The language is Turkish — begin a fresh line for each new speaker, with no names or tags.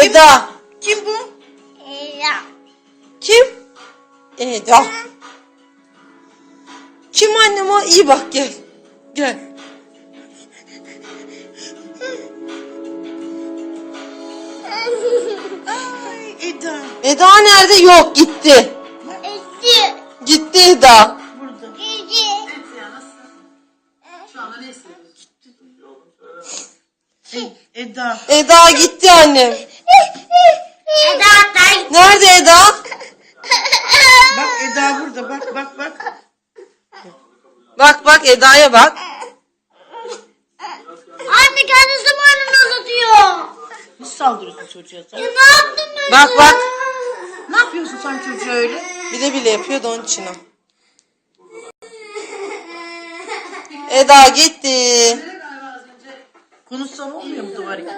Eda.
Kim bu?
Kim? Eda. Kim annem o? İyi bak gel. Gel.
Ay Eda.
Eda nerede? Yok gitti. Gitti Eda.
Burada. Eda.
Eda gitti annem. Nerede Eda?
Bak Eda burada. Bak bak bak.
Bak bak Eda'ya bak.
Anne kendi zamanını uzatıyor.
Nasıl saldırıyorsun çocuğa sen?
Ne yaptın ben?
Bak bak.
Ne yapıyorsun sen çocuğa öyle?
Bile bile yapıyor da onun için o. Eda gitti.
Konuşsam olmuyor mu duvar?